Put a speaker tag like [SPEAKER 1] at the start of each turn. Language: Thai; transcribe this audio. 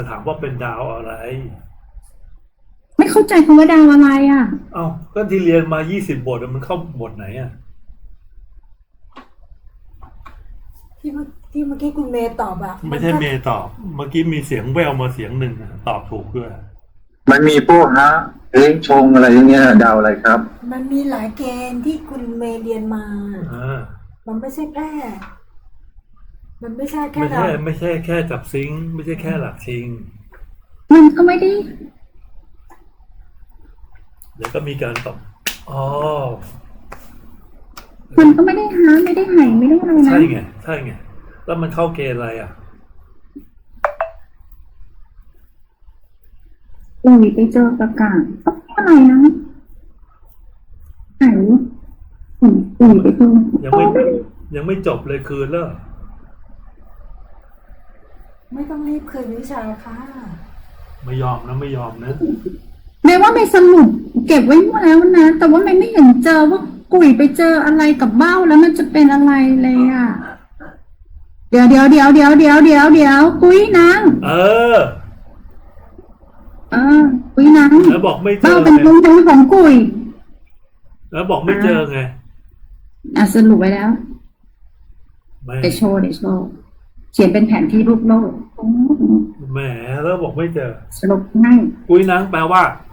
[SPEAKER 1] ถามว่าเป็นดาวอะไร
[SPEAKER 2] ไม่เข้าใจคำว่าดาวอะไรอ่ะ
[SPEAKER 1] เอ้าก็ที่เรียนมา20 บทมันเข้าบทไหนอ่ะ
[SPEAKER 3] ที่เมื่อกี้คุณเมย์ตอบอะ
[SPEAKER 1] ไม่ใช่เมย์ตอบเมื่อกี้มีเสียงแววมาเสียงหนึ่งตอบถูกด้วย
[SPEAKER 4] มันมีพวกฮะเลี้ยงชงอะไรอย่างเงี้ยดาวอะไรครับ
[SPEAKER 3] มันมีหลายเกณฑ์ที่คุณเมย์เรียนมา
[SPEAKER 1] อ่า
[SPEAKER 3] มันไม่ใช่แค่มันไม่ใช่แค่
[SPEAKER 1] ไม่
[SPEAKER 3] เรา
[SPEAKER 1] ใช่ไม่ใช่แค่จับซิงค์ไม่ใช่แค่หลักชิง
[SPEAKER 2] มันก็ไม่ได้
[SPEAKER 1] เดี๋ยวก็มีการตอบอ๋อ
[SPEAKER 2] มันก็ไม่ได้หาไม่ได้หายไม่ได้อะไรนะ
[SPEAKER 1] ใช่ไงใช่ไงแล้วมันเข้าเกณฑ์อะไรอ่ะ
[SPEAKER 2] อุ้ยไปเจอประกาศอะไรนะหายอุ้ยไปเจอ
[SPEAKER 1] ยังไม่ยังไม่จบเลยคืนแล้ว
[SPEAKER 3] ไม่ต้องรีบคืนวิชาค่ะ
[SPEAKER 1] ไม่ยอมนะไม่ยอมนะ
[SPEAKER 2] แม้ว่าไม่สรุปเก็บไว้หมดแล้วนะแต่ว่าไม่เห็นเจอว่ากุยไปเจออะไรกับเบ้าแล้วมันจะเป็นอะไรเลยอ่ะเดี๋ยวกุยนาง
[SPEAKER 1] เออ
[SPEAKER 2] กุยนาง
[SPEAKER 1] แล้วบอกไม่เจ
[SPEAKER 2] เบ้า
[SPEAKER 1] อ
[SPEAKER 2] เป็น
[SPEAKER 1] ไง
[SPEAKER 2] ลุงของกุย
[SPEAKER 1] แล้วบอกไม่เจอไง
[SPEAKER 2] สรุปไว้แล้ว
[SPEAKER 1] ไม่
[SPEAKER 2] เดี๋ยวโชว์เขียนเป็นแผนที่รูปโลก
[SPEAKER 1] แหมแล้วบอกไม่เจอ
[SPEAKER 2] สรุปให้
[SPEAKER 1] กุ้ยนางแปลว่า